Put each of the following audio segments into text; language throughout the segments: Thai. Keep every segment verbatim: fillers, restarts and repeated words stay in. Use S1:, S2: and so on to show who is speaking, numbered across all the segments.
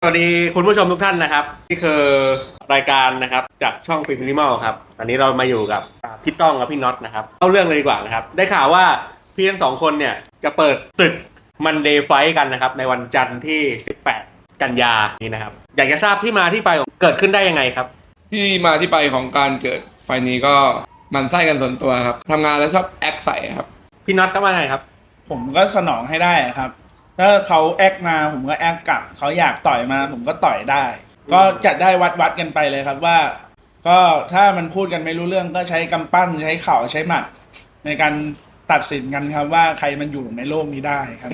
S1: สวัสดีคุณผู้ชมทุกท่านนะครับนี่คือรายการนะครับจากช่องฟิล์มมินิมอลครับอันนี้เรามาอยู่กับพี่ต้องกับพี่น็อตนะครับเข้าเรื่องเลยดีกว่านะครับได้ข่าวว่าพี่ทั้งสองคนเนี่ยจะเปิดศึกมันเดย์ไฟท์กันนะครับในวันจันทร์ที่สิบแปดกันยานี้นะครับอยากจะทราบที่มาที่ไปของเกิดขึ้นได้ยังไงครับ
S2: ที่มาที่ไปของการเกิดไฟนี้ก็มันไส้กันส่วนตัวครับทำงานแล้วชอบแอคใส่ครับ
S1: พี่น็อตก็ว่าไงครับ
S3: ผมก็สนองให้ได้ครับถ้าเขาแอคมาผมก็แอคกลับเขาอยากต่อยมาผมก็ต่อยได้ก็จะได้วัดวัดกันไปเลยครับว่าก็ถ้ามันพูดกันไม่รู้เรื่องก็ใช้กำปั้นใช้เข่าใช้หมัดในการตัดสินกันครับว่าใครมันอยู่ในโลกนี้ได้ครับ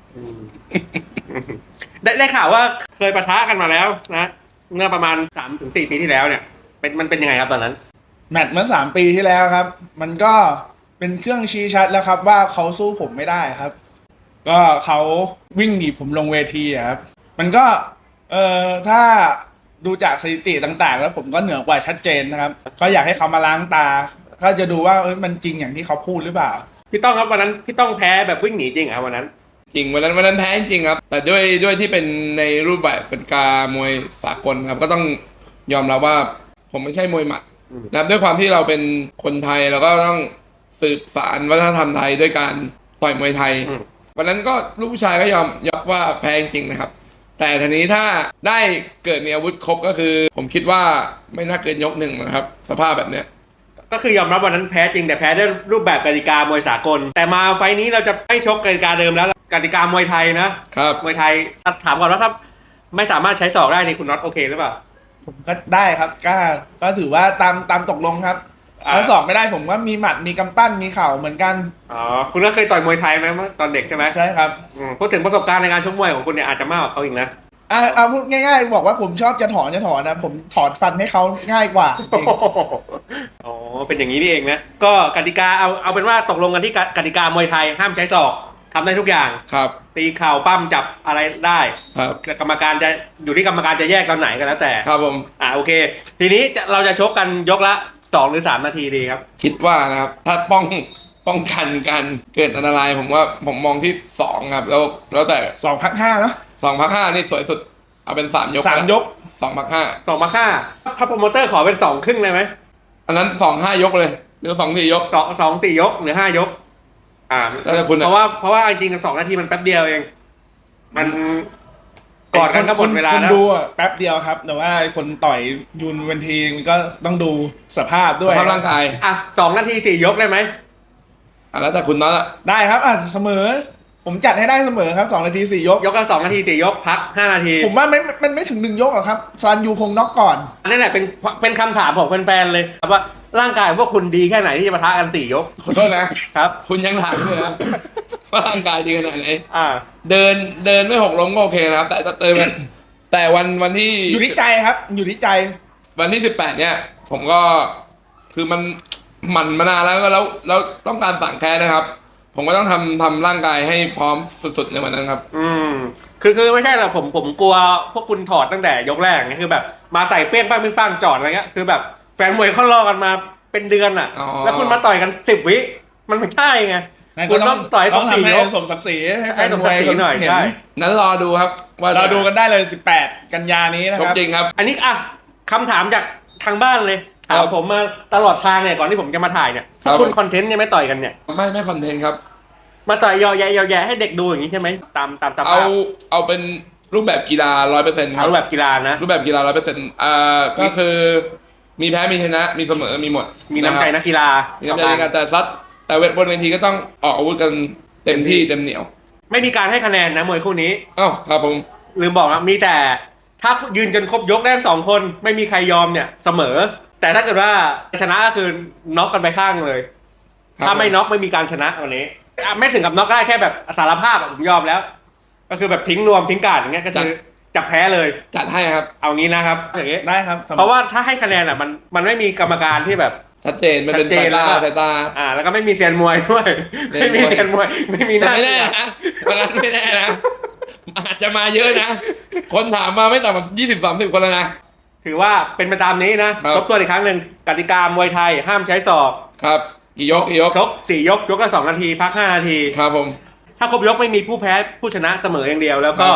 S1: ได้ได้ข่าวว่าเคยปะทะกันมาแล้วนะเมื่อประมาณ สามถึงสี่ ปีที่แล้วเนี่ยเป็นมันเป็นยังไงครับตอนนั้น
S3: แมตช์เมื่อสามปีที่แล้วครับมันก็เป็นเครื่องชี้ชัดแล้วครับว่าเขาสู้ผมไม่ได้ครับก็เขาวิ่งหนีผมลงเวทีครับมันก็เอ่อถ้าดูจากสถิติต่างๆแล้วผมก็เหนือกว่าชัดเจนนะครับก็อยากให้เขามาล้างตาก็จะดูว่าเอ้ยมันจริงอย่างที่เขาพูดหรือเปล่า
S1: พี่ต้องครับวันนั้นพี่ต้องแพ้แบบวิ่งหนีจริงเหรอวันนั้น
S2: จริงวันนั้นวันนั้นแพ้จริงครับแต่ด้วยด้วยที่เป็นในรูปแบบกติกามวยสากลครับก็ต้องยอมรับว่าผมไม่ใช่มวยหมัดนะครับด้วยความที่เราเป็นคนไทยเราก็ต้องสืบสานวัฒนธรรมไทยด้วยการต่อยมวยไทยวันนั้นก็ลูกผู้ชายก็ยอมยอมว่าแพ้จริงนะครับแต่ทีนี้ถ้าได้เกิดมีอาวุธครบก็คือผมคิดว่าไม่น่าเกินยกหนึ่งนะครับสภาพแบบเนี้ย
S1: ก็คือยอมรับวันนั้นแพ้จริงแต่แพ้ด้วยรูปแบบกติกามวยสากลแต่มาไฟนี้เราจะไม่ชกกติกาเดิมแล้วกติกามวยไทยนะครับมวยไทยถามก่อนว่าถ้าไม่สามารถใช้ศอกได้นี่คุณน็อตโอเคหรือเปล่า
S3: ผมก็ได้ครับก็ก็ถือว่าตามตามตกลงครับถ้าสอบไม่ได้ผมก็มีหมัดมีกำปั้นมีเข่าเหมือนกัน
S1: อ๋อคุณก็เคยต่อยมวยไทยไหมเมื่อตอนเด็กใช่ไหม
S3: ใช่ครับ
S1: พูดถึงประสบการณ์ในการชกมวยของคุณเนี่ยอาจจะมากกว่าเขาอีกนะ
S3: อ่าเอาพูดง่ายๆบอกว่าผมชอบจะถอนจะถอนนะผมถอนฟันให้เขาง่ายกว่า
S1: อ๋อเป็นอย่างนี้นี่เองนะก็กติกาเอาเอาเป็นว่าตกลงกันที่กติกามวยไทยห้ามใช้ศอกทำได้ทุกอย่าง
S2: ครับ
S1: ตีเข่าปั้มจับอะไรได้
S2: ครับ
S1: กรรมการจะอยู่ที่กรรมการจะแยกตอนไหนก็แล้วแต่
S2: ครับผม
S1: อ่าโอเคทีนี้เราจะชกกันยกละสองหรือสามนาทีดีครับ
S2: คิดว่านะครับถ้าป้องป้องกันการเกิดอันตรายผมว่าผมมองที่สองครับแล้วแล้วแต่
S3: สองพักห้าเนาะ
S2: สองพักห้านี่สวยสุดเอาเป็นสามยก
S3: สามยก
S2: สองพักห้า
S1: สองพักห้าถ้าโปรโมเตอร์ขอเป็นสองครึ่งเลยไหม
S2: อันนั้นสองห้ายกเลยหรือสองสี่ยก
S1: สองสองสี่ยกหรือห้ายกอ่า
S2: แล้วคุณ
S1: เพราะว่าเพราะว่าจริงๆสองนาทีมันแป๊บเดียวเองมันก่อนกันก็หมดเวลาแล้ว
S3: คนดูอ่ะแป๊บเดียวครับแต่ว่าคนต่อยยูนเวนทีมันก็ต้องดูสภาพด้วย
S2: สภาพร่างกาย
S1: อ่ะสองนาทีสี่ยกได้ไหม
S2: อ่ะแล้วแต่คุณน็อต
S3: ได้ครับอ่ะเสมอผมจัดให้ได้เสมอครับสองนาทีสี่ยก
S1: ยกละสองนาทีสี่ยกพักห้านาที
S3: ผมว่าไม่มันไม่ถึงหนึ่งยกหรอกครับซานยูคงน็อกก่อน
S1: นั่นแหละเป็นเป็นคำถามของแฟนๆเลยครับว่าร่างกายพวกคุณดีแค่ไหนที่จะปะทะกันสี่ยก
S2: ขอโทษนะครับคุณยังถามเลยนะว่าร่างกายดีขนาดไหน
S1: อ่า
S2: เดินเดินไม่หกล้มก็โอเคนะครับแต่เติมแต่วันวันที่
S3: อยู่ที่ใจครับอยู่ที่ใจ
S2: วันที่สิบแปดเนี่ยผมก็คือมันหมั่นมานานแล้วก็แล้วแล้วต้องการสั่งแค้นนะครับผมก็ต้องทำทำร่างกายให้พร้อมสุดๆในวันนั้นครับ
S1: อืมคือคือไม่ใช่หรอกผมผมกลัวพวกคุณถอดตั้งแต่ยกแรกไงคือแบบมาใส่เปี้ยงป้างเปี้ยงป้างจอดอะไรเงี้ยคือแบบแฟนมวยเขารอกันมาเป็นเดือนอ่ะแล้วคุณมาต่อยกันสิบวิมันไม่ได้ไง
S3: คุณต้องต่อยต้องทำให้สมศักดิ์ศรีให้แฟนมวย
S1: หน่อย
S3: เห็น
S2: นั้นรอดูครับ
S3: ว่าเราดูกันได้เลยสิบแปดกันยานี้นะครับ
S2: จริงครับ
S1: อันนี้อ่ะคำถามจากทางบ้านเลยถามผมมาตลอดทางเนี่ยก่อนที่ผมจะมาถ่ายเนี่ยคุณคอนเทนต์เนี่ยไม่ต่อยกันเนี่ย
S2: ไม่ไม่คอนเทนต์ครับ
S1: มาต่อยยอแยยอแยให้เด็กดูอย่างนี้ใช่ไหมตามตามสภาพ
S2: เอาเอาเป็นรูปแบบกีฬาร้อยเปอร์เซ็นต์ครับ
S1: รูปแบบกีฬานะ
S2: รูปแบบกีฬาร้อยเปอร์เซ็นต์อ่าก็คือมีแพ้มีชนะมีเสมอมีหมด
S1: มีน้ำใจนักกีฬา
S2: มีน้ำใจในการแต่ซัดแต่เวทบนเวทีก็ต้องออกอาวุธกันเต็มที่เต็มเหนียว
S1: ไม่มีการให้คะแนนนะมวยคู่นี้
S2: อ้าวครับผม
S1: ลืมบอกนะมีแต่ถ้ายืนจนครบยกได้สองคนไม่มีใครยอมเนี่ยเสมอแต่ถ้าเกิดว่าชนะก็คือน็อกกันไปข้างเลยถ้าไม่น็อกไม่มีการชนะวันนี้ไม่ถึงกับน็อกได้แค่แบบสารภาพผมยอมแล้วก็คือแบบทิ้งนวมทิ้งการอย่างเงี้ยก็คือจับแพ้เลย
S2: จัดให้ครับ
S1: เอางี้นะครับอย่างงี้
S3: ได้ครับ
S1: เพราะว่าถ้าให้คะแนนอ่ะมันมันไม่มีกรรมการที่แบบ
S2: ชัดเจนมันเป็นสายตาสายตา
S1: อ่าแล้วก็ไม่มีเซียนมวยด้วยไม่มีเซียนมวยไม่มีหน้า
S2: ไม่แน่นะวันนั้นไม่แน่นะอาจจะมาเยอะนะคนถามมาไม่ต่ำกว่ายี่สิบสามสิบคนแล้วนะ
S1: ถือว่าเป็นไปตามนี้นะทบทวนอีกครั้งหนึ่งกติกามวยไทยห้ามใช้ศอก
S2: ครับกี่ยกกี่ยก
S1: ชกสี่ยกยกละสองนาทีพักห้านาที
S2: ครับผม
S1: ถ้าครบยกไม่มีผู้แพ้ผู้ชนะเสมออย่างเดียวแล้วก็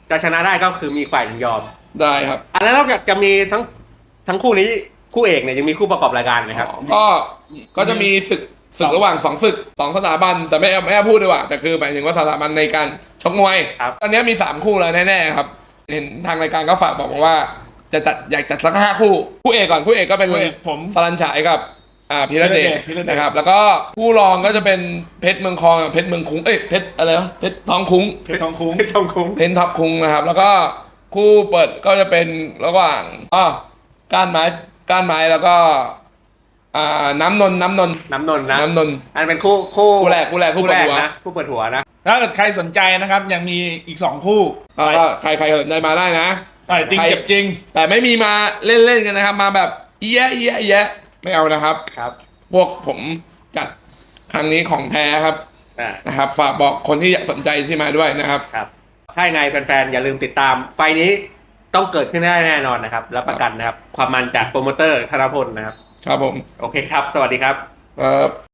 S1: จะชนะได้ก็คือมีฝ่ายหนึ่งยอม
S2: ได้ครับ
S1: อันนั้นนอกจากจะมีทั้งทั้งคู่นี้คู่เอกเนี่ยยังมีคู่ประกอบรายการไหมครับ
S2: ก็ก็จะมีศึกศึกระหว่างสองศึกสองสถาบันแต่ไม่ไม่พูดดีกว่าแต่คือหมายถึงว่าสถาบันในการชกมวย
S1: ครับ
S2: ตอนนี้มีสามคู่แล้วแน่ๆครับเห็นทางรายการก็ฝากบอกมาว่าจะจัดอยากจัดสักห้าคู่คู่เอกก่อนคู่เอกก็เป็น
S3: คู่เอกผม
S2: สลันฉายกับอ่าพีระเดช
S3: พีระเดช
S2: นะครับแล้วก็คู่รองก็จะเป็นเพชรเมืองคองกับเพชรเมืองคุ้งเอ้ยเพชรอะไรวะเพชรทองคุ้ง
S3: เพชรทองคุ้ง
S1: ทองคุ้ง
S2: เพนท็อปคุงนะครับ แล้วก็คู่เปิดก็จะเป็นระหว่างอ๋อก้านไม้ก้านไม้แล้วก็อ่าน้ำนนท์น้ำนนท์
S1: น้ำนนท์นะ
S2: น้ำนนท์
S1: อันเป็นคู่คู่
S2: คู่แรกคู่แรกคู่เปิดหัว
S1: นะคู่เปิดหัวนะ
S3: ถ้าเกิดใครสนใจนะครับยังมีอีกสองคู่
S2: ก็ใครใครสนใจมาได้นะ
S3: ต่อยจริง
S2: ใคร
S3: เจ็บจริง
S2: แต่ไม่มีมาเล่นๆกันนะครับ มาแบบเอี้ยะเอี้ยะเอี้ยะไม่เอานะครับ
S1: ครับ
S2: พวกผมจัดครั้งนี้ของแท้ครับ
S1: อ่า
S2: นะครับ ฝากบอกคนที่สนใจที่มาด้วยนะครับ
S1: ครับถ้ายังไงแฟนๆอย่าลืมติดตามไฟล์นี้ต้องเกิดขึ้นได้แน่นอนนะครับรับประกันนะครับ ความมันจากโปรโมเตอร์ธนพลนะครับ
S2: ครับผม
S1: โอเคครับ สวัสดีครับ
S2: ครับ